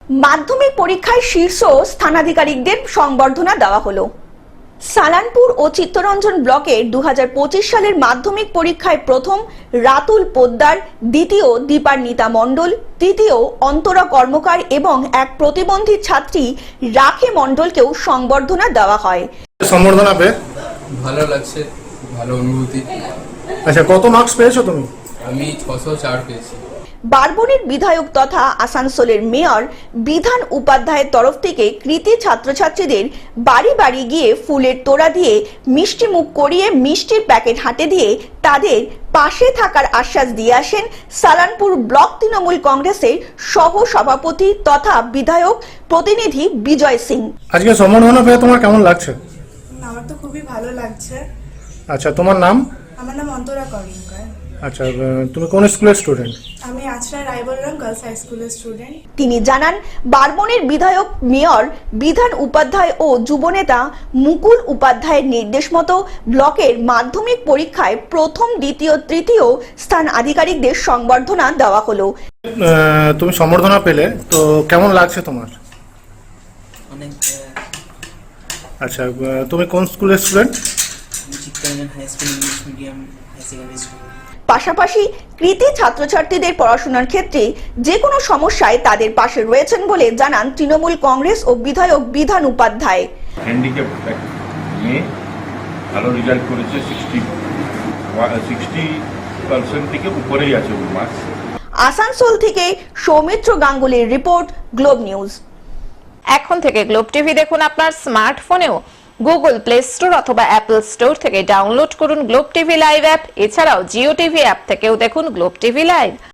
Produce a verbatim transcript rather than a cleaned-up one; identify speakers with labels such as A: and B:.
A: মাধ্যমিক পরীক্ষায় শীর্ষ স্থানাধিকারীদের সংবর্ধনা দেওয়া হলো। সালানপুর ও চিত্তরঞ্জন ব্লকের দু হাজার পঁচিশ সালের মাধ্যমিক পরীক্ষায় প্রথম রাতুল পোদ্দার, দ্বিতীয় দীপান্বিতা মণ্ডল, তৃতীয় অন্তরা কর্মকার এবং এক প্রতিবন্ধী ছাত্রী রাখে মণ্ডলকেও সংবর্ধনা দেওয়া হয়।
B: সংবর্ধনা পেয়ে
C: ভালো লাগছে, ভালো অনুভূতি।
B: আচ্ছা, কত মার্কস পেয়েছো তুমি?
C: আমি ছশো চার পেয়েছি।
A: বারবণীর বিধায়ক তথা আসানসোলের মেয়র বিধান উপাধ্যায়ের তরফ থেকে কৃতি ছাত্রছাত্রীদের বাড়ি বাড়ি গিয়ে ফুলের তোড়া দিয়ে মিষ্টি মুখ করিয়ে মিষ্টির প্যাকেট হাতে দিয়ে তাদের পাশে থাকার আশ্বাস দিয়ে আসেন সালানপুর ব্লক তৃণমূল কংগ্রেসের সহ সভাপতি তথা বিধায়ক প্রতিনিধি বিজয় সিং।
B: আজকে সম্বর্ধনা পেয়ে তোমার কেমন লাগছে?
D: আমার তো খুবই ভালো লাগছে।
B: আচ্ছা, তোমার নাম?
D: আমার নাম অন্তরা কর্মকার।
B: আচ্ছা, তুমি কোন স্কুলের স্টুডেন্ট?
D: আমি আচরা রায়বলরাম গার্লস হাই স্কুলের স্টুডেন্ট।
A: তিনি জানান, বারবণীর বিধায়ক মেয়র বিধান উপাধ্যায় ও যুবনেতা মুকুল উপাধ্যায়ের নির্দেশ মতো ব্লকের মাধ্যমিক পরীক্ষায় প্রথম, দ্বিতীয়, তৃতীয় স্থান আধিকারিকদের সংবর্ধনা দেওয়া হলো।
B: তুমি সম্বর্ধনা পেলে, তো কেমন লাগছে তোমার?
E: অনেক।
B: আচ্ছা, তুমি কোন স্কুলের student?
E: Chittaranjan high school English medium high secondary school.
A: পাশাপাশি কৃতি ছাত্রছাত্রীদের পড়াশোনার ক্ষেত্রে যে কোনো সমস্যায় তাদের পাশে রয়েছেন বলে জানান তৃণমূল কংগ্রেস ও বিধায়ক বিধান উপাধ্যায়।
F: হ্যান্ডিক্যাপ নিয়ে ভালো রেজাল্ট করেছে, সিক্সটি সিক্সটি পার্সেন্ট থেকে উপরেই আছে ওর মার্কস।
A: আসানসোল থেকে সৌমিত্র গাঙ্গুলির রিপোর্ট, গ্লোব নিউজ।
G: এখন থেকে গ্লোব টিভি দেখুন আপনার স্মার্টফোনেও। গুগল প্লে স্টোর অথবা অ্যাপল স্টোর থেকে ডাউনলোড করুন গ্লোব টিভি লাইভ অ্যাপ। এছাড়াও জিও টিভি অ্যাপ থেকেও দেখুন গ্লোব টিভি লাইভ।